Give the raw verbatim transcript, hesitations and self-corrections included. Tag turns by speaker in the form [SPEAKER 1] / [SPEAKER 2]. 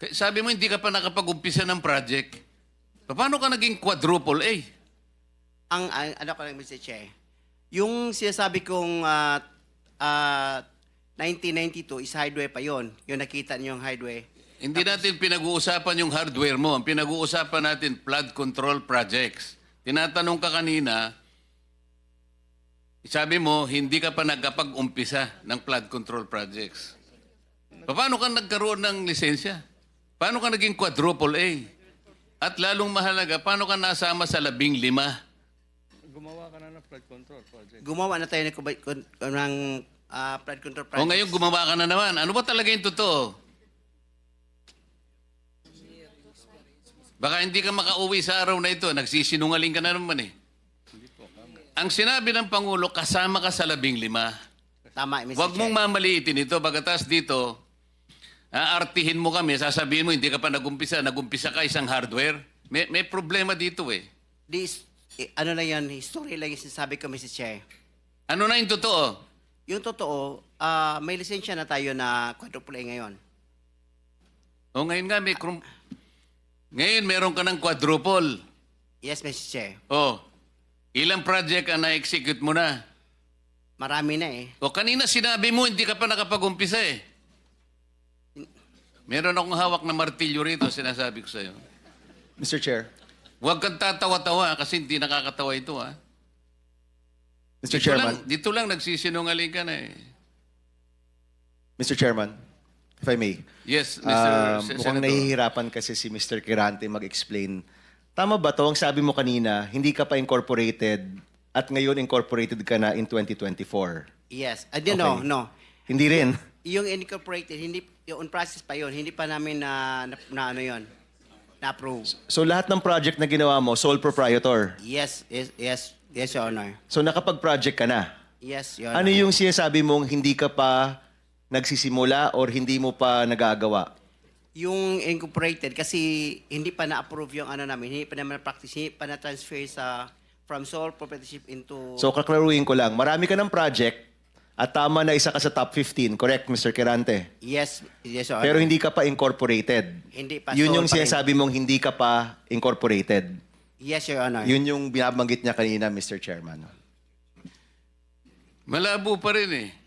[SPEAKER 1] Sabi mo hindi ka pa nakapag-umpisa ng project. Paano ka naging quadruple A?
[SPEAKER 2] Ang, ang ano ko lang, mister Che, yung sinasabi kong ah, ah, nineteen ninety-two is highway pa yon. Yung nakita niyo yung highway.
[SPEAKER 1] Hindi natin pinag-uusapan yung hardware mo. Ang pinag-uusapan natin, flood control projects. Tinatanong ka kanina, sabi mo, hindi ka pa nagkapag-umpisa ng flood control projects. Paano ka nagkaroon ng lisensya? Paano ka naging quadruple A? At lalong mahalaga, paano ka nasama sa labing lima?
[SPEAKER 3] Gumawa ka na ng flood control project.
[SPEAKER 2] Gumawa na tayo ng, kubay- kun- ng ah, flood control project.
[SPEAKER 1] O ngayon gumawa ka na naman. Ano ba talaga yung totoo? Baka hindi ka makauwi sa araw na ito. Nagsisinungaling ka na naman eh. Ang sinabi ng Pangulo, kasama ka sa labing lima.
[SPEAKER 2] Tama, mister
[SPEAKER 1] Huwag
[SPEAKER 2] Che.
[SPEAKER 1] mong mamaliitin ito. Bagatas dito, aartihin mo kami, sasabihin mo, hindi ka pa nagumpisa, nagumpisa ka isang hardware. May, may problema dito eh.
[SPEAKER 2] This, eh, ano lang yan, history lang yung sinasabi ko, mister Che.
[SPEAKER 1] Ano na yung totoo?
[SPEAKER 2] Yung totoo, ah, may lisensya na tayo na quadruple A ngayon.
[SPEAKER 1] O ngayon nga, may krum- ngayon meron ka ng quadruple.
[SPEAKER 2] Yes, mister Che.
[SPEAKER 1] O, ilang project ang na-execute mo na?
[SPEAKER 2] Marami na eh.
[SPEAKER 1] O kanina sinabi mo, hindi ka pa nakapag-umpisa eh. Meron akong hawak na martilyo rito, sinasabi ko sa'yo.
[SPEAKER 4] mister Chair.
[SPEAKER 1] Huwag kang tatawa-tawa kasi hindi nakakatawa ito ha.
[SPEAKER 4] mister
[SPEAKER 1] Dito
[SPEAKER 4] Chairman.
[SPEAKER 1] lang, dito lang nagsisinungaling ka na eh.
[SPEAKER 4] mister Chairman, if I may.
[SPEAKER 1] Yes, Mister
[SPEAKER 4] Ah,
[SPEAKER 1] Sen-
[SPEAKER 4] mukhang
[SPEAKER 1] Senator.
[SPEAKER 4] nahihirapan kasi si mister Kirante mag-explain. Tama ba to? Ang sabi mo kanina, hindi ka pa incorporated at ngayon incorporated ka na in twenty twenty-four.
[SPEAKER 2] Yes. I don't know,
[SPEAKER 4] Okay.
[SPEAKER 2] no.
[SPEAKER 4] Hindi rin.
[SPEAKER 2] Yung incorporated, hindi, yung on process pa yon, hindi pa namin na, na, na ano yon, na-approve.
[SPEAKER 4] So lahat ng project na ginawa mo, sole proprietor.
[SPEAKER 2] Yes, yes, yes, yes, Your Honor.
[SPEAKER 4] So nakapag-project ka na.
[SPEAKER 2] Yes, Your
[SPEAKER 4] Ano
[SPEAKER 2] Honor.
[SPEAKER 4] yung sinasabi mong hindi ka pa nagsisimula or hindi mo pa nagagawa?
[SPEAKER 2] Yung incorporated, kasi hindi pa na-approve yung ano namin, hindi pa naman na-practice, hindi pa na-transfer sa, from sole proprietorship into...
[SPEAKER 4] So kaklaruhin ko lang, marami ka ng project at tama na isa ka sa top fifteen, correct, mister Kirante?
[SPEAKER 2] yes, yes, Your Honor.
[SPEAKER 4] Pero hindi ka pa incorporated.
[SPEAKER 2] Hindi pa.
[SPEAKER 4] Yun
[SPEAKER 2] sole
[SPEAKER 4] yung
[SPEAKER 2] pa rin.
[SPEAKER 4] sinasabi mong hindi ka pa incorporated.
[SPEAKER 2] Yes, Your Honor.
[SPEAKER 4] Yun yung binabanggit niya kanina, mister Chairman.
[SPEAKER 1] Malabo pa rin eh.